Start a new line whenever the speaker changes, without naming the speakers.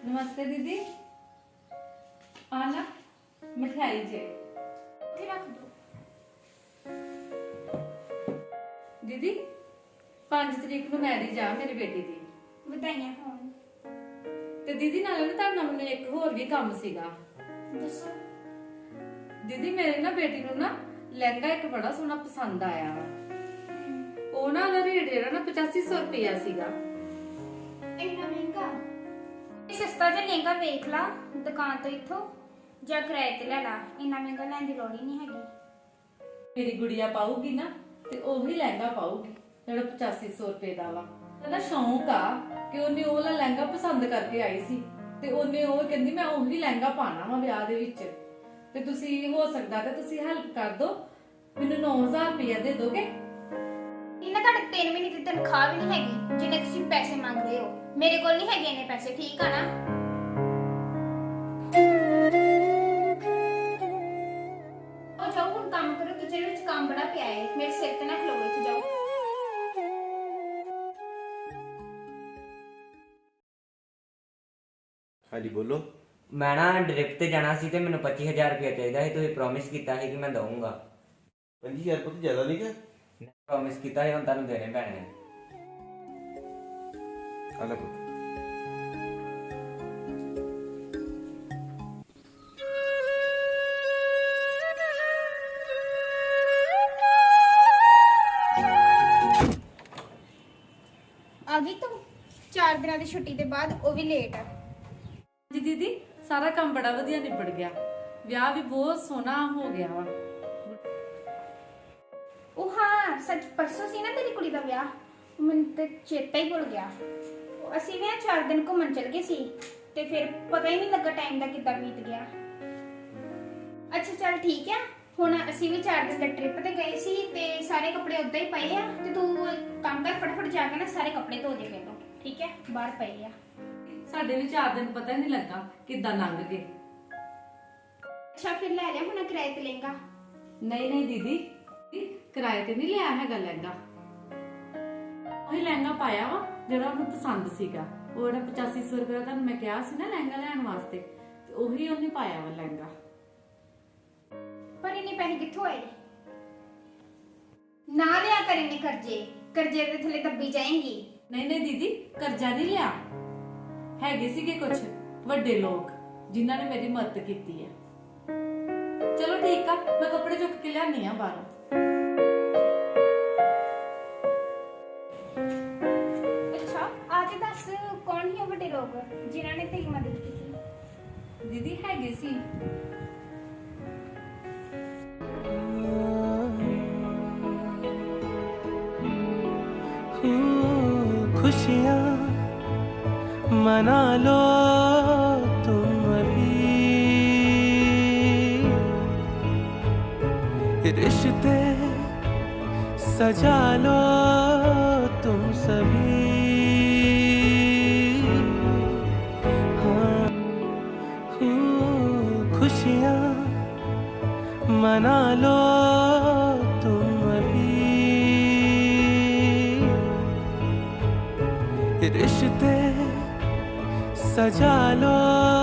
नमस्ते दीदी। आना मिठाई जे
रख दो।
दीदी 5 तरीक ਨੂੰ ਮੈਰਿਜ ਆ ਮੇਰੀ ਬੇਟੀ ਦੀ।
ਵਧਾਈਆਂ ਹੋਣ।
ਤੇ ਦੀਦੀ ਨਾਲੇ ਨਾ ਤੁਹਾਡੇ ਨਾਲ ਮੈਨੂੰ ਇੱਕ ਹੋਰ ਵੀ ਕੰਮ ਸੀਗਾ।
ਦੱਸੋ।
ਦੀਦੀ ਮੇਰੇ ਨਾ ਬੇਟੀ ਨੂੰ ਨਾ ਲਹਿੰਗਾ ਇੱਕ ਬੜਾ ਸੋਹਣਾ ਪਸੰਦ ਆਇਆ ਵਾ। ਉਹ ਨਾ ਉਹਦਾ ਰੇਟ ਜਿਹੜਾ ਨਾ 8500 ਰੁਪਇਆ ਸੀਗਾ।
ਇੰਨਾ ਮਹਿੰਗਾ? ਇਹ ਸਸਤਾ ਜਿਹਾ ਲਹਿੰਗਾ ਵੇਖ ਲਾ ਦੁਕਾਨ ਤੋਂ ਇੱਥੋਂ ਜਾਂ ਕਿਰਾਏ ਤੇ ਲੈ ਲਾ। ਇੰਨਾ ਮਹਿੰਗਾ ਲੈਣ ਦੀ ਲੋੜ ਹੀ ਨਹੀਂ ਹੈਗੀ।
ਮੇਰੀ ਗੁੜੀਆ ਪਾਊਗੀ ਨਾ ਤੇ ਉਹੀ ਲਹਿੰਗਾ ਪਾਊਗੀ ਜਿਹੜਾ 8500 ਰੁਪਏ ਦਾ ਵਾ। ਉਹਦਾ ਸ਼ੌਂਕ ਆ ਕਿ ਉਹਨੇ ਉਹ ਲਹਿੰਗਾ ਪਸੰਦ ਕਰਕੇ ਆਈ ਸੀ ਤੇ ਉਹਨੇ ਉਹ ਕਹਿੰਦੀ ਮੈਂ ਉਹੀ ਲਹਿੰਗਾ ਪਾਣਾ ਵਾ ਵਿਆਹ ਦੇ ਵਿੱਚ। ਤੇ ਤੁਸੀਂ ਹੋ ਸਕਦਾ ਤੇ ਤੁਸੀਂ ਹੈਲਪ ਕਰ ਦਿਓ, ਮੈਨੂੰ 9000 ਰੁਪਇਆ ਦੇ ਦੋਗੇ?
ਇਹਨਾਂ ਤੁਹਾਡੇ 3 ਮਹੀਨੇ ਦੀ ਤਨਖਾਹ ਵੀ ਨਹੀਂ ਹੈਗੀ ਜਿੰਨੇ ਤੁਸੀਂ ਪੈਸੇ ਮੰਗਦੇ ਹੋ। ਮੇਰੇ ਕੋਲ ਨਹੀਂ ਹੈਗੇ ਇੰਨੇ ਪੈਸੇ, ਠੀਕ ਆ ਨਾ? ਉਹ ਜਾਓ ਹੁਣ ਕੰਮ ਕਰੋ, ਕਿਚਨ ਵਿੱਚ ਕੰਮ ਬੜਾ ਪਿਆ ਹੈ। ਮੇਰੇ ਸਿਰ ਤੇ ਨਾ ਖਲੋਵੋ, ਇੱਥੇ ਜਾਓ।
ਹਾਂਜੀ ਬੋਲੋ।
ਮੈਂ ਨਾ ਡ੍ਰਿਪ ਤੇ ਜਾਣਾ ਸੀ ਤੇ ਮੈਨੂੰ 25000 ਰੁਪਏ ਚਾਹੀਦਾ ਸੀ। ਤੁਸੀਂ ਪ੍ਰੋਮਿਸ ਕੀਤਾ ਸੀ ਕਿ ਮੈਂ ਦਊਂਗਾ।
5000 ਪੁੱਤ ਜ਼ਿਆਦਾ ਨਹੀਂ ਕਿ?
ਪ੍ਰੋਮਿਸ ਕੀਤਾ ਸੀ, ਹੁਣ ਤੁਹਾਨੂੰ ਦੇਣੇ ਪੈਣੇ ਨੇ।
ਆ ਲੈ ਪੁੱਤ।
ਆ ਗਈ ਤੂੰ 4 ਦਿਨਾਂ ਦੀ ਛੁੱਟੀ ਦੇ ਬਾਅਦ, ਉਹ ਵੀ ਲੇਟ।
ਜੀ ਦੀਦੀ ਸਾਰਾ ਕੰਮ ਬੜਾ ਵਧੀਆ ਨਿਬੜ ਗਿਆ, ਵਿਆਹ ਵੀ ਬਹੁਤ ਸੋਹਣਾ ਹੋ ਗਿਆ ਵਾ।
ਉਹ ਹਾਂ ਸੱਚ, ਪਰਸੋਂ ਸੀ ਨਾ ਤੇਰੀ ਕੁੜੀ ਦਾ ਵਿਆਹ, ਮੈਨੂੰ ਤੇ ਚੇਤਾ ਹੀ ਭੁੱਲ ਗਿਆ। ਅਸੀਂ ਵੀ 4 ਦਿਨ ਘੁੰਮਣ ਚਲ ਗਏ ਸੀ ਤੇ ਫਿਰ ਪਤਾ ਹੀ ਨਹੀਂ ਲੱਗਾ ਟਾਈਮ ਦਾ ਕਿੱਦਾਂ ਬੀਤ ਗਿਆ। ਅੱਛਾ ਚੱਲ ਠੀਕ ਆ। ਹੁਣ ਅਸੀਂ ਵੀ 4 ਦਿਨ ਦਾ ਟ੍ਰਿਪ ਤੇ ਗਏ ਸੀ ਤੇ ਸਾਰੇ ਕੱਪੜੇ ਉਦਾਂ ਹੀ ਪਏ ਆ ਤੇ ਤੂੰ ਕੰਮ ਕਰ, ਫਟਾਫਟ ਜਾ ਕੇ ਨਾ ਸਾਰੇ ਕੱਪੜੇ ਧੋ ਦੇ ਪਹਿਲਾਂ, ਠੀਕ ਹੈ? ਬਾਹਰ ਪਏ ਆ।
ਸਾਡੇ ਵੀ 4 ਦਿਨ ਪਤਾ ਹੀ ਨਹੀਂ ਲੱਗਾ ਕਿੱਦਾਂ ਲੰਘ ਗਏ।
ਅੱਛਾ ਫਿਰ ਲੈ ਲਿਆ ਹੁਣ ਕਿਰਾਏ ਤੇ ਲਹਿੰਗਾ?
ਨਹੀਂ ਨਹੀਂ ਦੀਦੀ, ਕਿਰਾਏ ਤੇ ਨਹੀਂ ਲਿਆ ਹੈਗਾ ਲਹਿੰਗਾ। ਉਹੀ ਲਹਿੰਗਾ ਪਾਇਆ ਵਾ ਜਿਹੜਾ ਉਹਨੂੰ ਪਸੰਦ ਸੀਗਾ। ਉਹ ਜਿਹੜਾ 8500 ਰੁਪਏ ਦਾ ਤੁਹਾਨੂੰ ਮੈਂ ਕਿਹਾ ਸੀ ਨਾ ਲਹਿੰਗਾ ਲੈਣ ਵਾਸਤੇ, ਤੇ ਉਹੀ ਉਹਨੇ ਪਾਇਆ ਵਾ ਲਹਿੰਗਾ।
ਪਰ ਇੰਨੇ ਪੈਸੇ ਕਿੱਥੋਂ ਆਏ? ਨਾ ਲਿਆ ਕਰ ਇੰਨੇ ਕਰਜ਼ੇ, ਕਰਜ਼ੇ ਦੇ ਥੱਲੇ ਦੱਬੀ ਜਾਏਂਗੀ।
ਨਹੀਂ ਨਹੀਂ ਦੀਦੀ, ਕਰਜ਼ਾ ਨਹੀਂ ਲਿਆ। ਹੈਗੇ ਸੀਗੇ ਕੁਝ ਵੱਡੇ ਲੋਕ ਜਿਨ੍ਹਾਂ ਨੇ ਮੇਰੀ ਮਦਦ ਕੀਤੀ ਹੈ। ਚਲੋ ਠੀਕ ਆ, ਮੈਂ ਕੱਪੜੇ ਚੁੱਕ ਕੇ ਲਿਆਨੀ ਆ ਬਾਹਰੋਂ।
ਅੱਛਾ ਆ ਕੇ ਦੱਸ, ਕੌਣ ਹੀ ਉਹ ਵੱਡੇ ਲੋਕ ਜਿਨ੍ਹਾਂ ਨੇ ਤੇਰੀ ਮਦਦ ਕੀਤੀ?
ਦੀਦੀ ਹੈਗੇ ਸੀ
खुशियाँ मना लो तुम अभी, रिश्ते सजा लो तुम सभी। हाँ खुशियाँ मना लो तुम अभी, रिश्ते सजा लो